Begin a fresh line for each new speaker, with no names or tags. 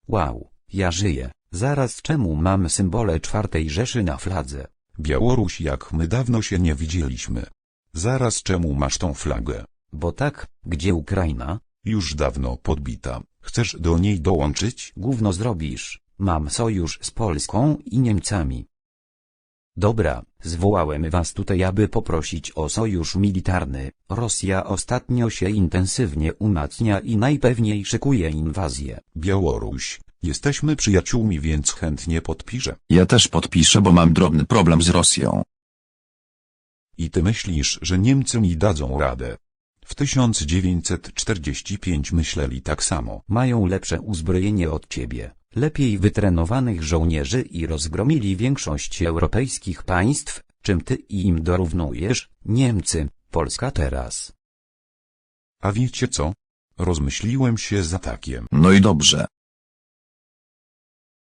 Wow, ja żyję. Zaraz, czemu mam symbole czwartej Rzeszy na fladze?
Białoruś, jak my dawno się nie widzieliśmy. Zaraz, czemu masz tą flagę?
Bo tak, gdzie Ukraina?
Już dawno podbita. Chcesz do niej dołączyć?
Gówno zrobisz. Mam sojusz z Polską i Niemcami. Dobra, zwołałem was tutaj, aby poprosić o sojusz militarny. Rosja ostatnio się intensywnie umacnia i najpewniej szykuje inwazję.
Białoruś, jesteśmy przyjaciółmi, więc chętnie podpiszę.
Ja też podpiszę, bo mam drobny problem z Rosją.
I ty myślisz, że Niemcy mi dadzą radę? W 1945 myśleli tak samo.
Mają lepsze uzbrojenie od ciebie, lepiej wytrenowanych żołnierzy i rozgromili większość europejskich państw, czym ty im dorównujesz, Niemcy, Polska teraz.
A wiecie co? Rozmyśliłem się z atakiem.
No i dobrze.